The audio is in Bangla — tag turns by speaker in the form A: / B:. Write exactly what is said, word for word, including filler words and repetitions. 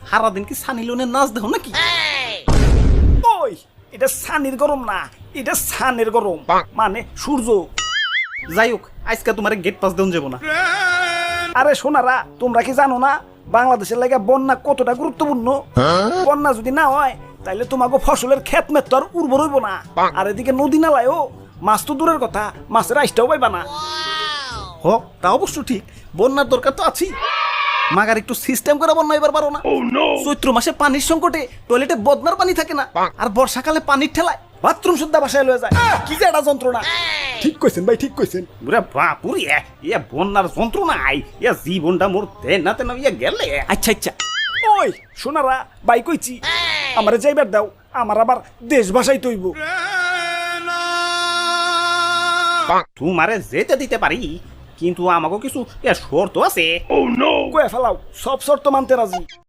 A: সারাদিন কি সানি লিওনের নাচ দেখো নাকি?
B: ওই এটা সানির গরম না, এটা সানের গরম, মানে সূর্য।
A: যাই হোক, আজকে তোমার গেট পাস দেন যাবো না।
B: আরে সোনারা, তোমরা কি জানো না বাংলাদেশের লাগে বন্যা কতটা গুরুত্বপূর্ণ? বন্যা যদি না হয় তাইলে তোমাকে ফসলের ক্ষেত মেত তো আর উর্বর হইব না। আর এদিকে নদী নালায়ও মাছ তো দূরের কথা, মাছের আইসটাও পাইবা না।
A: হ, তা অবশ্য ঠিক, বন্যার দরকার তো আছি। মাগার একটু সিস্টেম করে বন্যা এবার পারো না। চৈত্র মাসে পানির সংকটে টয়লেটে বদনার পানি থাকে না, আর বর্ষাকালে পানির ঠেলায় বাথরুম সুদ্ধা বাসায় লয়ে যায়। কি যে একটা যন্ত্রণা।
C: ঠিক কইছেন ভাই, ঠিক কইছেন।
A: বুড়া বাপুরি, ইয়া বন্যার যন্ত্রণা আই, ইয়া জীবনটা মোর তেন না তেন ইয়া গেলে। আচ্ছা আচ্ছা,
B: ওই সোনারা, বাই কইছি আমারে যাইবার দাও, আমার আবার দেশ ভাষাই তৈব।
A: তোমারে যেতে দিতে পারি, কিন্তু আমাকে কিছু ইয়া শর্ত আছে।
B: কয়ে ফেলাও, সব শর্ত মানতে রাজি।